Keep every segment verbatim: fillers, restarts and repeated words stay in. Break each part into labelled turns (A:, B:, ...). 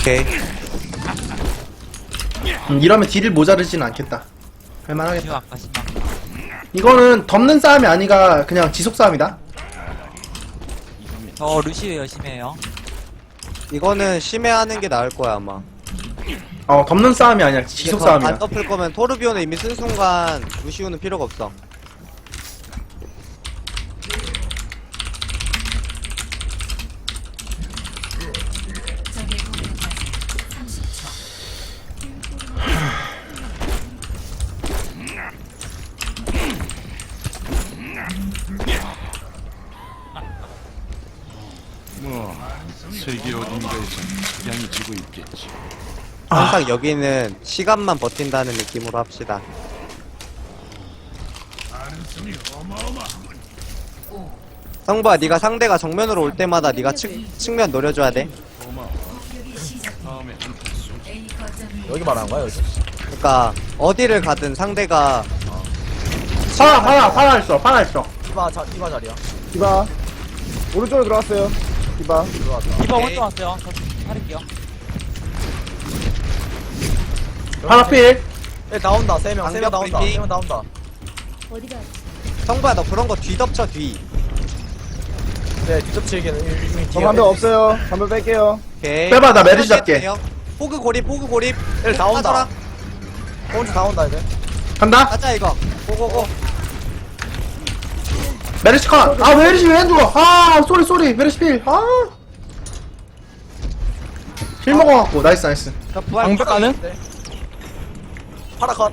A: 오케이.
B: 음, 이러면 딜을 모자르진 않겠다. 할만하겠다.
C: 지금 아까 신나.
B: 이거는 덮는 싸움이 아니라 그냥 지속 싸움이다.
C: 저 루시 열심히 해요.
A: 이거는 심해하는 게 나을 거야 아마.
B: 어, 덮는 싸움이 아니라 지속
A: 이게 더 안
B: 싸움이야.
A: 덮을 거면 토르비오는 이미 쓴 순간 루시우는 필요가 없어.
D: 뭐 세계 어딘가에서 석양이 지고 있겠지.
A: 항상 여기는 시간만 버틴다는 느낌으로 합시다. 성부야, 네가 상대가 정면으로 올 때마다 네가 측, 측면 노려줘야 돼.
D: 다음에
E: 여기 말하는 거야 여기?
A: 그러니까 어디를 가든 상대가
B: 파라, 파라, 파라 있어, 파라 있어.
E: 디바 자 디바 자리야.
F: 디바 오른쪽으로 들어왔어요. 디바
E: 들어왔다.
C: 디바
A: 오케이.
C: 오른쪽 왔어요. 저 팔을게요.
B: 파라 필.
E: 예 나온다 세 명 세 명
A: 방벽
E: 나온다
A: 브리핑.
E: 세 명 나온다.
A: 성부야 너 그런 거 뒤덮쳐 뒤.
E: 네 뒤접치기는 이미
F: 저
E: 뒤에.
F: 반벽 없어요. 반벽 뺄게요.
A: 오케이.
B: 빼봐, 나 메르시 잡게.
A: 포그 고립 포그 고립.
E: 일 다 온다.
A: 빠져라.
E: 오른쪽 다 온다 이제.
B: 간다.
A: 가자 이거. 고고고.
B: 메르시 컷. 아, 메르시 왜 안 죽어? 아, 쏘리, 쏘리. 메르시 필. 아. 힐 먹어갖고. 나이스, 나이스.
A: 저 부활.
E: 방벽 가는? 파라 컷.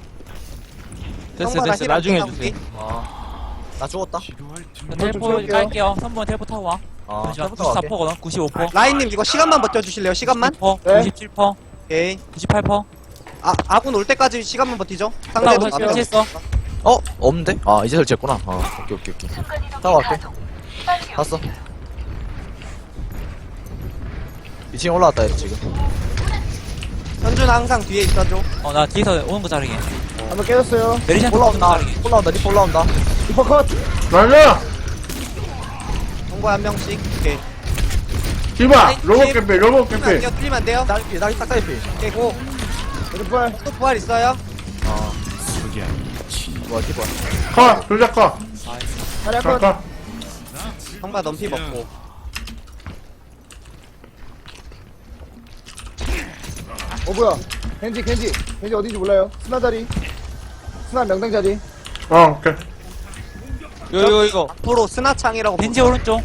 A: 됐어 됐어 나중에 주세요.
E: 나 죽었다.
D: 필요할 틈.
C: 저 텔포
F: 쏠게요.
C: 깔게요. 삼 번 텔포 타고 와.
E: 아
C: 잠시만.
E: 텔포 갈게.
C: 구십사 퍼거든. 구십오 퍼.
A: 라인님 이거 시간만 버텨주실래요? 시간만?
C: 퍼.
F: 네.
C: 구십칠 퍼.
A: 오케이.
C: 구십팔 퍼.
A: 아 아군 올 때까지 시간만 버티죠.
C: 나
A: 상대도
C: 우선
A: 나도.
C: 설치했어.
G: 어? 없는데? 아 이제 설치했구나. 아 오케이 오케이 오케이.
E: 타고 갈게. 갔어. 이 층 올라왔다 얘 지금.
A: 현준 항상 뒤에 있어줘.
C: 어, 나 뒤에서 오는 거 자르게.
F: 반벽 깨졌어요.
C: 메리시한테 오는 거
E: 올라온다.
C: 자르게.
E: 올라온다. 리퍼 올라온다.
F: 디퍼 컷.
B: 나이스.
A: 동거 한 명씩. 오케이.
B: 딜봐. 로봇 캠필, 로봇
A: 틀리면 안
B: 캠필.
A: 돼요. 틀리면 안 돼요.
E: 나기 나기 딱 다이피.
A: 오케이 고.
F: 왼발.
A: 또 부활 있어요.
E: 뭐야 디퍼.
B: 컷. 조작 컷.
F: 다리아
B: 컷,
F: 컷.
B: 컷.
A: 성과 넘피 먹고.
F: 어 뭐야? 겐지 겐지 겐지 어딘지 몰라요. 스나 자리. 스나 명당 자리.
B: 어, 오케이.
A: 이거 이거 이거. 앞으로 스나창이라고.
C: 벤지 오른쪽.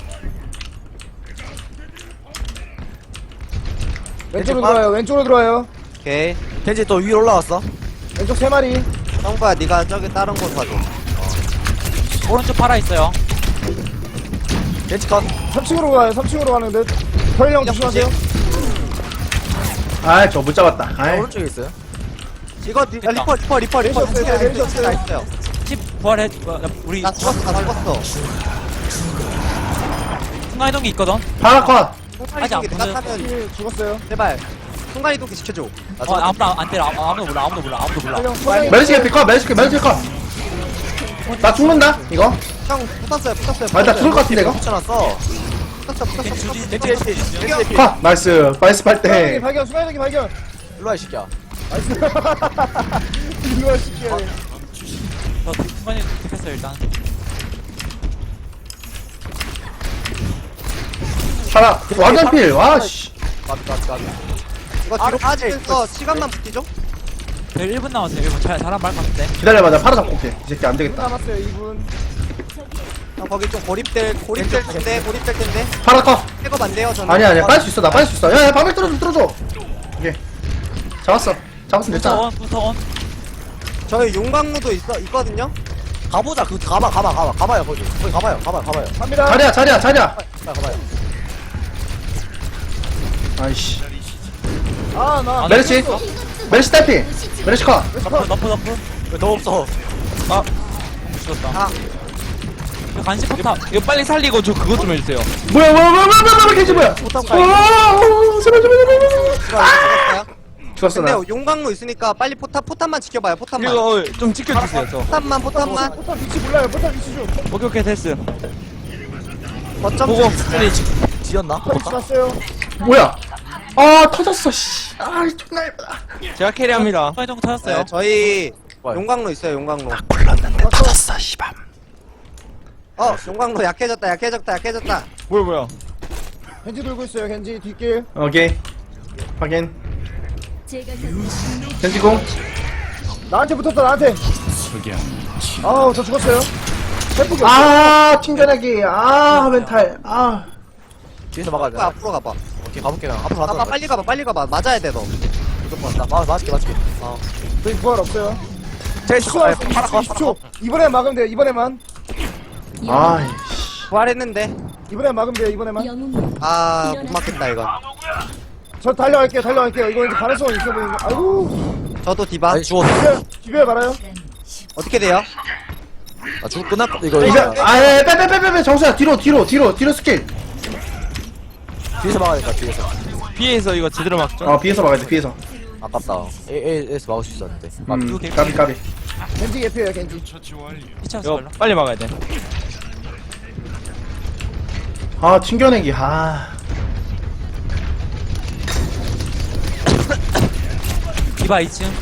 F: 왼쪽으로 들어와요. 왼쪽으로 들어와요.
A: 오케이.
E: 겐지 또 위로 올라왔어.
F: 왼쪽 세 마리.
A: 성과 네가 저기 다른 곳 가줘.
C: 오른쪽 팔아 있어요.
E: 겐지 컷.
F: 삼 층으로 가요. 삼 층으로 가는 듯. 혈령 조심하세요.
B: 아, 저 못 잡았다. 아이.
E: 오른쪽에 있어요.
A: 이거 리, 아, 리퍼 리퍼 리퍼 리퍼.
F: 왼쪽 없어요, 왼쪽 없어요.
A: 다 있어요.
C: 십 부활해. 뭐, 나- 우리
A: 나 죽었어 다 죽었어.
C: 순간 이동기 있거든.
B: 파라 컷.
C: 아직 안
A: 내가
C: 보여.
A: 타면
F: 힐 죽었어요.
A: 제발 순간 이동기 시켜줘. 나
C: 어,
A: 죽었어.
C: 아무도 안- 안 때려. 아무- 아무도 몰라. 아무도 몰라. 아무도 몰라.
F: 혈령 소장이.
B: 메르시 캠필 컷, 메르시 캠필, 메르시 컷. 나 죽는다, 이거.
A: 형 붙었어요 붙었어요.
B: 아, 나 죽을 것 같은데, 이거.
E: 붙여놨어.
A: 붙었어 붙었어.
C: 겐지 주지.
E: 겐지 겐지 겐지 겐지.
B: 컷. 나이스. 나이스
F: 수가이동기
B: 팔대.
F: 발견. 수가이동기 발견.
E: 일로 와이 새끼야.
F: 나이스. 이거 시켜야 돼.
C: 저 순간 이동 됐어요 일단.
B: 파라. 완전 필. 와, 씨.
E: 가비 가비 가비.
A: 이거 뒤로 빠지면서 시간만 버티죠.
C: 저 일 분 남았어요. 일 분. 잘 잘한 말 같은데.
B: 기다려봐. 나 파라 잡고 올게. 이 새끼 안
F: 이 분
B: 되겠다.
F: 남았어요. 이 분.
A: 형 거기 좀 고립될 고립될 텐데 고립될 텐데.
B: 파라 컷.
A: 백업 안 돼요 저는.
B: 아니야, 아니야. 빨 수 있어. 나 빨 수 있어. 야, 야, 방백 뚫어줘, 뚫어줘. 오케이. 잡았어. 잡았으면
C: 부터
B: 됐잖아.
C: 온. 부터 온.
A: 저희 용광로도 있어 있거든요.
E: 가보자. 그 가봐 가봐 가봐 가봐요 거기. 거기 가봐요 가봐요 가봐요.
F: 갑니다.
B: 자리야, 자리야, 자리야.
E: 가봐요 가봐요.
B: 아이씨.
F: 아 나.
C: 아,
B: 메르시. 메르시 딸피. 메르시 컷.
C: 너프 너프 너프.
E: 왜 더 없어?
C: 아. 죽었다.
A: 아.
C: 저 간식 포탑.
H: 이거 빨리 살리고 저 그것 좀 해주세요.
B: 뭐야, 뭐야, 뭐야, 뭐야, 뭐야, 뭐야, 개지 뭐야.
A: 포탑
B: 어,
A: 가요.
B: 어, 제발, 제발, 제발, 제발.
A: 죽었어요.
B: 죽었어,
A: 근데
B: 나.
A: 용광로 있으니까 빨리 포탑 포탑만 지켜봐요. 포탑만.
H: 이거 좀 지켜주세요. 저.
A: 포탑만 포탑만.
F: 포탑 위치 몰라요. 포탑 위치 좀.
H: 오케이 오케이 됐어.
A: 거점
H: 보고
A: 좀-
H: 빨리 지-
E: 지었나?
F: 포탑 위치 봤어요.
B: 뭐야. 아 터졌어 씨아 존나 예쁘다.
H: 제가 캐리합니다.
C: 정도 찾았어요.
A: 네, 저희
G: 뭐야?
A: 용광로 있어요 용광로.
D: 터졌어 씨밤.
A: 어 용광로 약해졌다 약해졌다 약해졌다.
H: 뭐야 뭐야.
F: 겐지 돌고 있어요. 겐지 뒷길.
B: 오케이 확인.
I: 제가
B: 겐지공.
F: 나한테 붙었다 나한테.
D: 석양
F: 아우 저 죽었어요. 템포기 없어.
B: 아 튕겨내기. 아 멘탈. 아
G: 뒤에서 막아야 돼.
A: 앞으로 가봐.
G: 오케이, 가볼게. 그냥. 앞으로
A: 가봐
G: 가봐.
A: 빨리 가봐 빨리 가봐 맞아야 돼 너.
G: 무조건. 나 맞, 맞을게, 맞을게.
F: 저희 부활 없어요.
G: 제일
F: 추가
G: 좋아. 파라 거,
F: 이십 초. 이번에 막으면 돼요. 이번에만.
B: 아이
A: 부활했는데
F: 이번에 막으면 돼요. 이번에만.
I: 영웅
A: 아 못 맞겠다 이건.
F: 저 달려갈게요. 달려갈게요. 이거 이제 가능성이 있어 보이는 거. 아이고.
A: 저도 디바.
G: 아니, 죽었어.
F: 비벼 비벼 말아요.
A: 어떻게 돼요?
G: 아, 죽 끝났, 이거,
B: 이거
G: 이거.
B: 아빼빼빼빼빼 정수야 뒤로 뒤로 뒤로 뒤로 스킬.
G: 뒤에서 막아야 된다, 뒤에서.
H: B에서 이거 제대로 막죠.
B: 어 비에서 막아야 돼 비에서.
G: 아깝다. A, A에서 막을 수 있었는데.
B: 음 까비 까비.
F: 겐지 개피예요. 겐지.
D: 처치 완료.
C: 피치하우스
H: 이거
C: 걸로.
H: 빨리 막아야 돼.
B: 아 튕겨내기. 아
C: 디바 이 층.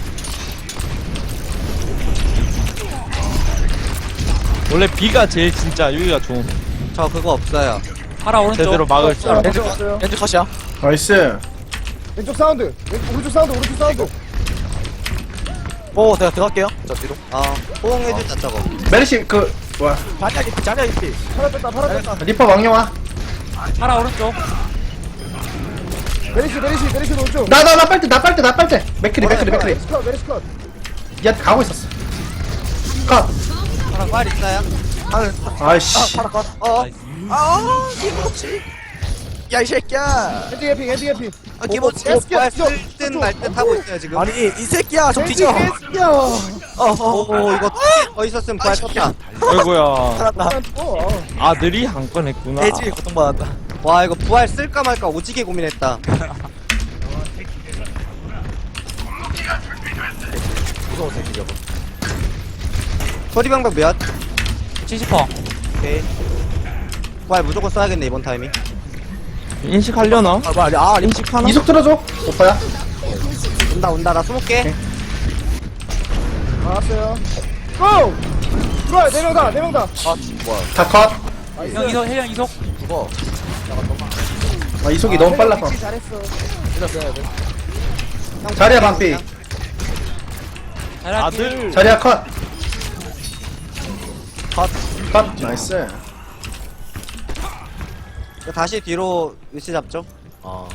H: 원래 B가 제일 진짜 여기가 좋음.
A: 저 그거 없어요.
C: 파라 오른쪽.
H: 제대로 막을 줄 알아.
F: 없어요. 없어요.
G: 렌즈 컷이야.
B: 나이스.
F: 왼쪽 사운드. 왼, 오른쪽 사운드. 오른쪽 사운드.
G: 오, 내가 들어갈게요. 저 뒤로.
A: 어 호응해주자 저거.
B: 메르시 그 뭐야
G: 자리야, 깊이, 자리야, 깊이.
F: 팔아 뺐다. 팔아 뺐다.
B: 리퍼 왕영아.
C: 파라 오른쪽.
F: 메리시 메리시 메리시 오른쪽.
B: 나 나 나 빨대 나 빨대 나 빨대. 맥크리 맥크리 맥크리.
F: 메리시 컷. 메리시 컷.
B: 야 가고 있었어. 컷.
A: 파라 부활 있어요?
B: 아이씨.
G: 파라 컷. 어. 아, 기모치. 야, 이 새끼야.
F: 겐지 개피. 겐지 개피.
G: 아, 기모치.
A: 부활 쓸듯 말듯 하고 있어요 지금.
G: 아니, 이 새끼야, 좀
F: 겐지
G: 뒤져.
F: 개피야.
G: 어, 어,
A: 오 이거 더 있었으면 부활 쳤다.
H: 아이고야.
G: 살았다.
F: 어.
H: 아들이 한 건 했구나.
G: 돼지 고통받았다.
A: 와 이거 부활 쓸까 말까 오지게 고민했다.
G: 무서운 새끼 저거.
A: 소리 방법 몇?
C: 칠십 퍼.
A: 오케이. 부활 무조건 써야겠네 이번 타이밍.
H: 인식하려나?
G: 아, 뭐야, 아, 림
H: 인식하나?
B: 이속 들어줘. 오빠야.
A: 온다 온다 나 숨을게.
F: 나왔어요. 고! 들어와요. 네 명 다. 네 명 다.
G: 아, 뭐야.
B: 다 컷.
C: 형 이속 혜령 이속.
G: 죽어.
B: 아 이속이 너무 빨라서.
F: 겐지 잘했어.
G: 때렸어야 돼.
B: 자리야 반피.
C: 자리야
H: 아들.
B: 자리야 컷.
G: 컷.
B: 컷. 나이스.
A: 이거 다시 뒤로 위치 잡죠.
G: 어.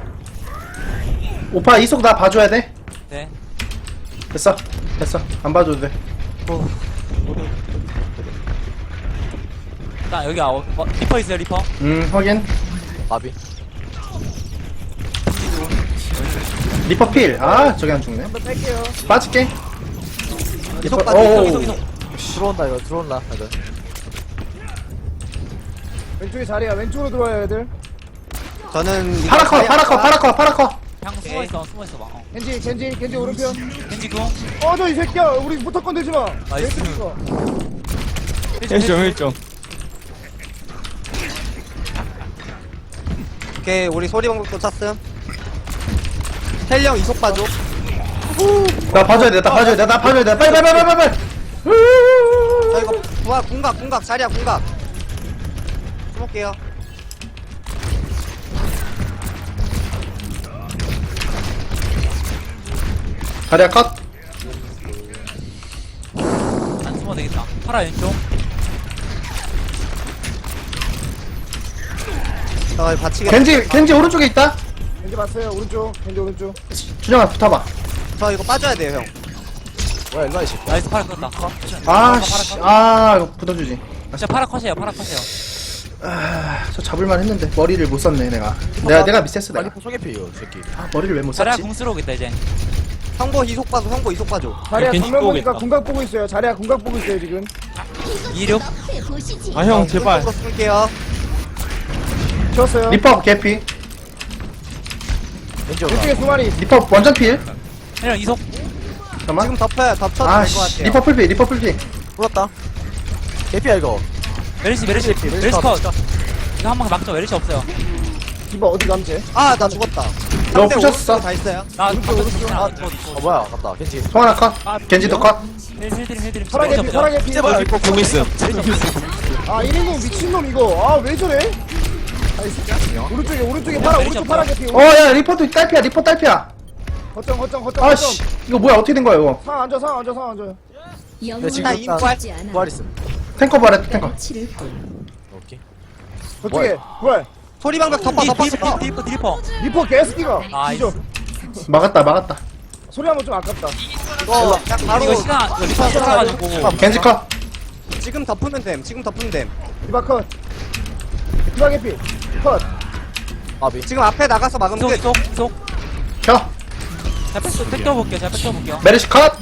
B: 오빠 이속 나 봐줘야 돼.
C: 네.
B: 됐어. 됐어. 안 봐줘도 돼.
C: 일단 여기 아 어, 어, 리퍼 있어요 리퍼.
B: 음 확인.
G: 마비.
B: 리퍼 필. 아 저기 안 죽네.
F: 한번 뺄게요.
B: 빠질게.
A: 이속
B: 리퍼-
A: 빠져
B: 오.
A: 이속 이속 이속.
G: 들어온다, 이거. 들어온다, 애들.
F: 왼쪽에 자리야. 왼쪽으로 들어와요, 애들.
A: 저는
B: 파라 컷. 파라 컷. 파라 컷. 파라 컷.
C: 형 숨어 있어 숨어 있어 봐. 어.
F: 겐지 겐지 겐지 오른편.
C: 겐지 궁.
F: 어, 저 이 새끼야. 우리 무조건 되지 마.
C: 나이스.
F: 왼쪽 있어.
H: 일점 일점.
A: 오케이 우리 소리 방법도 찼음. 헬령 이속 빠져.
B: 나 봐줘야 돼. 나 봐줘야 돼. 나 봐줘야 돼. 빨리 빨리 빨리 빨리 빨리.
A: 저 이거 부활 궁각 궁각 자리야 궁각. 숨을게요.
B: 자리야 컷.
C: 안 숨어 되겠다. 파라 왼쪽.
A: 저 받치게.
B: 겐지 겐지 오른쪽에 있다.
F: 겐지 봤어요. 오른쪽. 겐지 오른쪽.
B: 준영아 붙어봐.
A: 저 이거 빠져야 돼요 형.
G: 뭐야, 일로 와, 이 새끼.
C: 나이스 파라 컸다.
B: 아씨. 아 이거 붙어주지.
C: 진짜 파라 컷이에요 파라 컷이에요.
B: 아저 잡을만 했는데 머리를 못 썼네 내가. 내가 내가 미스했어
G: 빨리
B: 내가.
G: 포 소개피요, 이 새끼.
B: 아 머리를 왜 못
C: 자리야
B: 썼지?
C: 궁 쓰러 오겠다 이제.
A: 형보 이속 빠져 형보 이속 빠져.
F: 자리야
H: 겐지
F: 정면 보니까
H: 보겠다.
F: 궁각 보고 있어요. 자리야 궁각 보고 있어요, 지금.
C: 이륙.
H: 아 형 제발.
A: 또 쓸게요.
F: 지웠어요.
B: 리퍼 개피.
G: 렌즈
F: 왼쪽에 두 마리.
B: 리퍼 완전 필.
C: 혜령 이속.
B: 잠깐만.
A: 지금 덮어요 덮쳐도 될 것
B: 아씨
A: 같아요.
B: 리퍼 풀피 리퍼 풀피.
G: 불었다. 개피야, 이거.
C: 메르시 메르시 메르시 컷. 이거 한 번 막죠 메르시 없어요.
F: 디바 어디 감지?
A: 아 나 죽었다.
B: 너
A: 상대
B: 부셨어.
A: 오른쪽 다 있어요.
C: 나
E: 오른쪽 오른쪽 아, 어 뭐야 아깝다 겐지
B: 송하나 컷. 겐지도 컷.
C: 힐힐힐 힐.
F: 사랑의 피 사랑의 피
E: 제발 이거 공 있음
F: 아 일인공 미친놈 이거 아 왜 저래 오른쪽에 오른쪽에 파라 오른쪽 파란게 피
B: 어, 야, 리퍼도 딸피야, 리퍼 딸피야.
F: 거점 거점 거점
B: 아씨, 이거 뭐야, 어떻게 된 거야, 이거.
F: 상 앉아 상 앉아 상 앉아
E: 네, 지금
A: 나
E: 일단
A: 인부할.
E: 부활 있음
B: 탱커 바래, 탱커.
E: 오케이
F: 저쪽에 부활
A: 소리방벽 덮어 덮어
C: 딜
A: 덮어.
C: 딜퍼 딜퍼.
F: 리퍼 개스키가
C: 나이스.
F: 진짜
B: 막았다, 막았다.
F: 소리 한번 좀 아깝다
A: 이거 그냥 바로
C: 이거 시간 이거 리퍼 써가지고.
B: 겐지 컷.
A: 지금 덮으면 됨. 지금 덮으면 됨.
F: 디바 컷 디바게 피컷
E: 아비
A: 지금 앞에 나가서 막으면
C: 이속
A: 끝.
C: 이속 이속.
B: 켜.
C: 자 백, 백 떠볼게요. 자 백 떠볼게요.
B: 메르시 컷.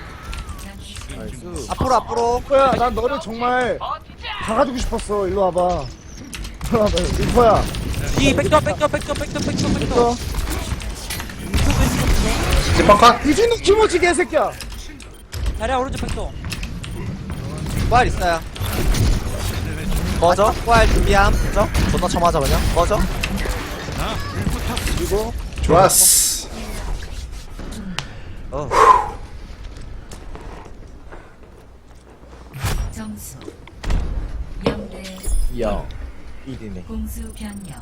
A: 앞으로 앞으로.
F: 리퍼야 난 너를 정말 박아주고 싶었어 일로 와봐 일로 와봐 리퍼야
C: 이백 떠, 백 떠, 백 떠, 백 떠, 백 떠, 백 떠.
F: 어
B: 리퍼 컷.
F: 미친놈 키모치 개새끼야
C: 자리야 오른쪽 백 떠.
A: 부활 있어요.
E: 꺼져
A: 부활 준비함.
E: 꺼져 존나 쳐맞아 그냥 꺼져
F: 그리고
B: 좋았어.
I: 점수 영 대
E: 이야 일이네
I: 공수 변경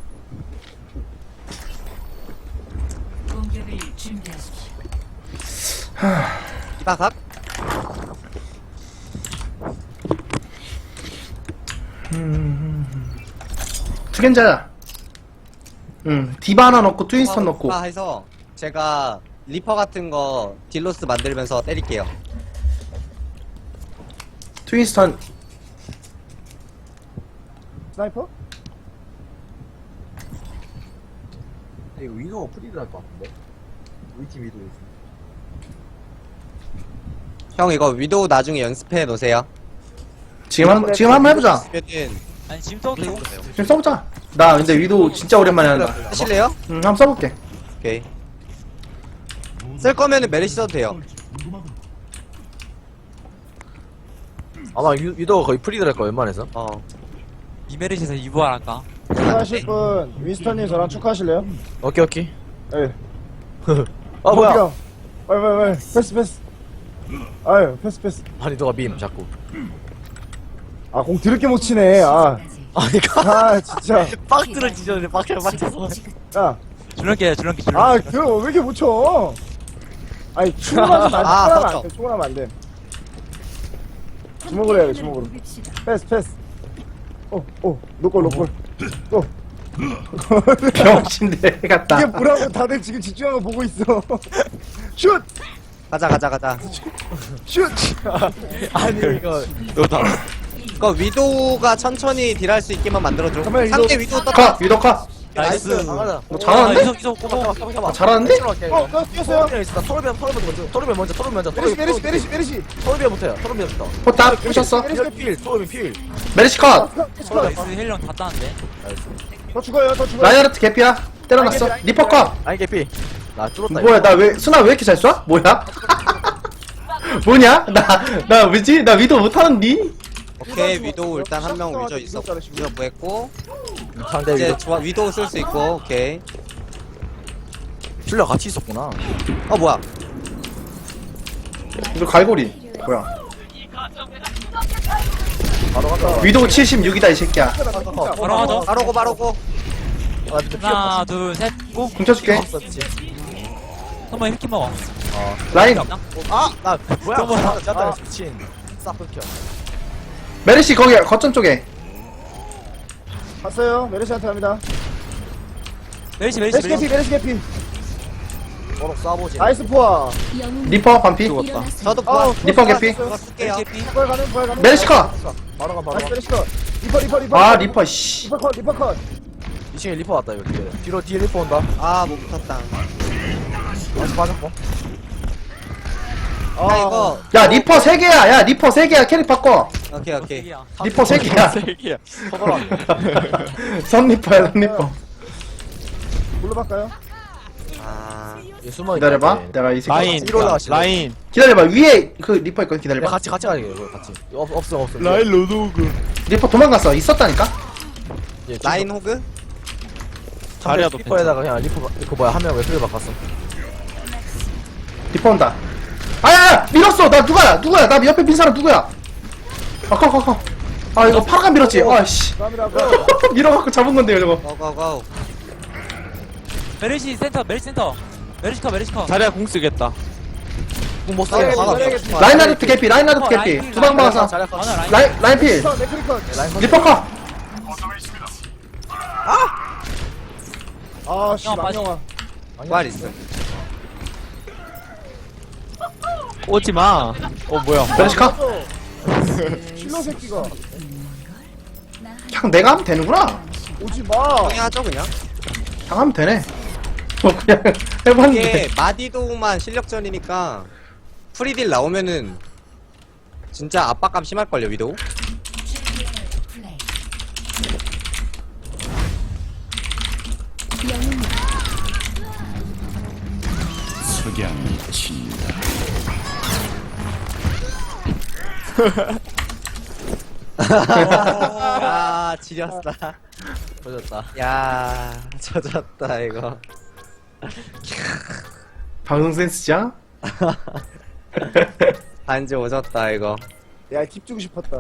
I: 공격을 준비하십시오.
A: 디바 각.
B: 투겐자야. 응, 디바 하나 넣고 트윈스턴 넣고.
A: 디바 해서 제가 리퍼 같은 거 딜로스 만들면서 때릴게요.
B: 트윈스턴.
F: 스나이퍼?
E: 이거 위도가 프리드 할것 같은데 우리 팀 위도 있어
A: 형 이거 위도우 나중에 연습해 놓으세요.
B: 지금 한, 지금 한번 해보자.
A: 그러면은
C: 아니 지금 떠도 되고.
B: 지금 써보자. 나 근데 위도 진짜 오랜만에 한다.
A: 하실래요?
B: 응, 한번 써볼게.
A: 오케이. 쓸 거면은 메르시 써도 돼요.
E: 아마 위, 위도가 거의 프리드 할거 웬만해서
A: 어.
C: 이메리시에서 이부활할까?
F: 축하하실 분 윈스턴님 저랑 축하하실래요?
E: 오케이 오케이
F: 예
E: 아 뭐야
F: 빨리 빨리 빨리 패스 패스 아유 패스 패스
E: 아니 너가 밈 자꾸
F: 아 공 드럽게 못 치네 아,
E: 아니 가
F: 아 진짜
E: 박스를 지졌는데 박스를 맞춰서
F: 야
C: 줄넘기 줄넘기 줄넘기.
F: 아, 그거 왜 이렇게 못 쳐? 아니, 충분하면 안 돼.
A: 아,
F: 충분하면
A: 맞죠.
F: 안 돼. 충분하면 안 돼. 주먹으로 해야 돼, 주먹으로. 패스, 패스. 어, 어, 노골, 노골. 또.
B: 병신대 같다.
F: 이게 뭐라고 다들 지금 집중하고 보고 있어. 슛!
A: 가자 가자 가자.
F: 슛!
E: 아니 이거
H: 너다.
A: 이거 위도우가 천천히 딜할 수 있게만 만들어줘.
F: 잠깐만,
A: 상대
F: 위도우-
A: 위도우 떴다.
B: 컷, 위도 컷.
C: 나이스.
E: 나가자
B: 너 잘하는데?
C: 이속 이속 꼬마.
B: 아, 잘하는데?
F: 어, 나 뛰었어요.
E: 토르비언 토르비언 먼저 토르비언 먼저 토르비언 먼저
F: 메리시, 메리시, 메리시, 메리시.
E: 토르비언부터야 토르비언부터
B: 포탑 부셨어.
E: 토르비언 필 토르비언 필
B: 메르시 컷.
C: 나이스 헬령 다 따는데.
F: 더 죽어요, 더 죽어요.
B: 라이아르트 개피야. 때려놨어. 리퍼 컷.
E: 아니 개피 나 뚫었다
B: 뭐야, 나 왜, 수나 왜 이렇게 잘 쏴? 뭐야? 뭐냐? 나, 나 왜지? 나 위도 못하는디?
A: 오케이 위도우 일단 한 명 위저 있어. 위저 구했고
E: 상대
A: 이제
E: 위도
A: 좋아 위도우 쓸 수 있고 오케이.
E: 줄려 같이 있었구나
A: 어 뭐야?
B: 이거 갈고리. 뭐야?
E: 바로 갔다
B: 위도 칠십육이다, 이 새끼야.
C: 바로 하죠.
A: 바로고 바로고.
E: 아 근데 피
C: 하나 둘 셋 고.
B: 훔쳐줄게.
E: 없었지
C: 한번 힐키 먹어.
B: 라인.
E: 아나 뭐야
C: 또 뭐야?
E: 짰다 미친 싹 끊겨
B: 메르시 거기, 거점 쪽에.
F: 봤어요. 메리시한테 갑니다.
C: 메리시 메리시
F: 메리시 개피,
C: 메리시.
F: 메리시 개피.
E: 버럭 쏴보지
F: 나이스 포화.
B: 리퍼 반피.
A: 저도 부활.
F: 아우,
A: 부활
F: 부활
B: 리퍼 개피.
A: 부활 쓸게요.
C: 메리시 피.
F: 부활 가는, 부활 가는.
B: 메르시 컷.
E: 바로 가 바로
F: 나이스
E: 가
F: 메리시 컷. 리퍼, 리퍼, 리퍼.
B: 아, 리퍼, 씨.
F: 리퍼 컷, 리퍼 컷.
E: 이 층에 리퍼 왔다 이거 뒤에 뒤로 뒤에 리퍼 온다
A: 아못 붙었다.
E: 다시 빠졌고
F: 아,
A: 야 이거
B: 야, 리퍼 세 개야. 야, 리퍼 세 개야. 캐릭 바꿔.
A: 오케이 오케이.
B: 리퍼 세 개야.
H: 세기야.
E: 서버라네
B: 선 리퍼야, 선 리퍼.
F: 뭘로 바꿔요?
A: 아
E: 얘 숨어
B: 기다려봐. 내가 이 새끼.
H: 라인.
E: 위로 올라가시네.
H: 라인.
B: 기다려봐. 위에 그 리퍼 있거든.
E: 야,
B: 기다려봐.
E: 같이 같이 가야 돼 이거 같이 없, 없어 없어
H: 라인 로드오그.
B: 리퍼 도망갔어. 있었다니까?
E: 얘
A: 라인 호그.
H: 자리야도
E: 리퍼에다가 그냥 리퍼 그 뭐야 하면 웨슬리 바꿨어.
B: 리퍼 온다. 아야 밀었어. 나 누가야 누구야. 나 옆에 빈 사람 누구야. 아커커커. 아 이거 파라가 밀었지. 아씨.
F: 감이라고.
B: 밀어갖고 잡은 건데요 저거.
A: 고고고.
C: 메르시 센터 메르시 센터 메르시커 메르시커
H: 자리야 공 쓰겠다.
G: 공못
A: 아,
G: 써.
A: 막아.
B: 라인하르트 개피 라인하르트 개피. 두 방 박아서.
C: 하나 라인
B: 라인 라인 필.
F: 네크리컷.
B: 리퍼 컷.
F: 아씨
C: 형, 빠지.
F: 망령아.
A: 부활 있어.
H: 오지 마. 어 뭐야?
B: 메르시 컷.
F: 실로 새끼가
B: 그냥 내가 하면 되는구나.
F: 오지 마.
A: 형이 하죠 그냥.
B: 그냥 하면 되네. 뭐 그냥 해봤는데.
A: 이게 마디도만 실력전이니까 프리딜 나오면은 진짜 압박감 심할걸요 위도우.
I: 플레이.
D: 석양이 친다.
A: 야 지렸다.
E: 터졌다.
A: 야 젖었다 이거.
B: 방송 센스죠?
A: 반지 오졌다 이거.
F: 야 팁 주고 싶었다.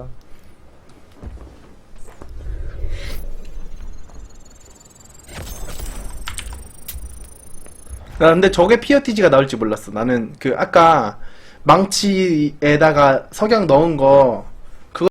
B: 나 근데 저게 피어티지가 나올 줄 몰랐어. 나는 그 아까 망치에다가 석양 넣은 거